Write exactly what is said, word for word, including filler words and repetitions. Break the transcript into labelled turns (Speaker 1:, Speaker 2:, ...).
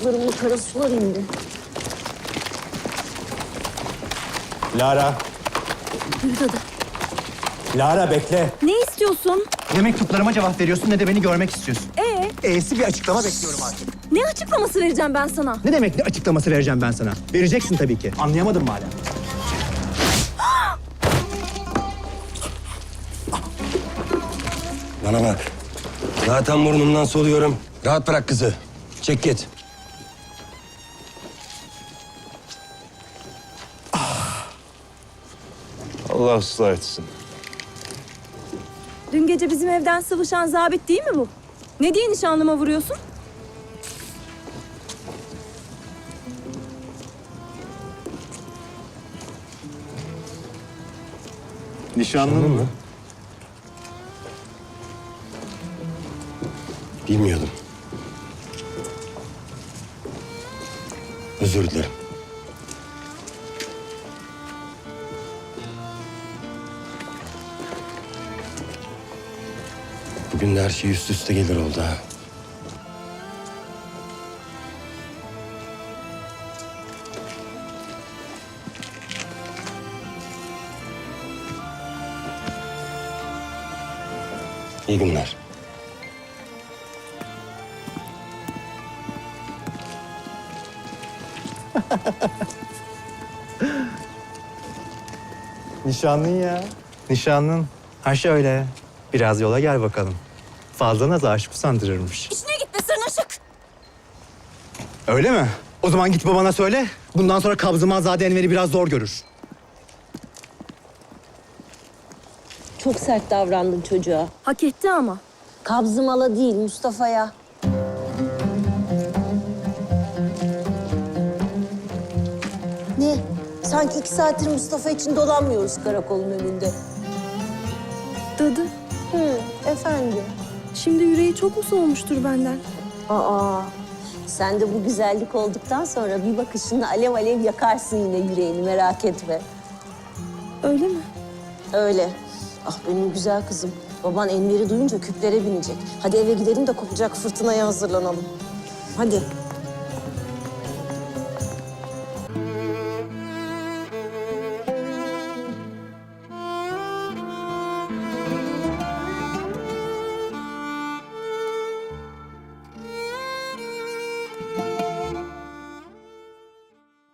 Speaker 1: ayaklarımın kara sular indi.
Speaker 2: Lara,
Speaker 1: Yürü dadı.
Speaker 2: Lara bekle.
Speaker 1: Ne istiyorsun?
Speaker 3: Ne mektuplarıma cevap veriyorsun ne de beni görmek istiyorsun.
Speaker 1: Ee,
Speaker 3: E'si bir açıklama bekliyorum artık.
Speaker 1: ne açıklaması vereceğim ben sana?
Speaker 3: Ne demek ne açıklaması vereceğim ben sana? Vereceksin tabii ki. Anlayamadın mı hala?
Speaker 4: Bana bak. Zaten burnumdan soluyorum. Rahat bırak kızı. Çek git.
Speaker 2: Allah ıslah etsin.
Speaker 1: Dün gece bizim evden sıvışan zabit değil mi bu? Ne diye nişanlıma vuruyorsun?
Speaker 2: Nişanlın mı?
Speaker 4: Bilmiyordum. Özür dilerim. Bugün de her şey üst üste gelir oldu ha. İyi günler.
Speaker 3: Nişanlın ya. Nişanlın. Ha şöyle. Biraz yola gel bakalım. Fazla naz aşık usandırırmış.
Speaker 1: İşine git be sırnaşık.
Speaker 3: Öyle mi? O zaman git babana söyle. Bundan sonra Kabzımanzade Enver'i biraz zor görür.
Speaker 1: Çok sert davrandın çocuğa. Hak etti ama. Kabzımala değil Mustafa'ya. Ne? Sanki iki saattir Mustafa için dolanmıyoruz karakolun önünde.
Speaker 5: Dadı,
Speaker 1: Hı, efendim.
Speaker 5: şimdi yüreği çok mu soğumuştur benden?
Speaker 1: Aa, sen de bu güzellik olduktan sonra bir bakışınla alev alev yakarsın yine yüreğini, merak etme.
Speaker 5: Öyle mi?
Speaker 1: Öyle. Ah benim güzel kızım. Baban Enver'i duyunca küplere binecek. Hadi eve gidelim de kopacak fırtınaya hazırlanalım. Hadi.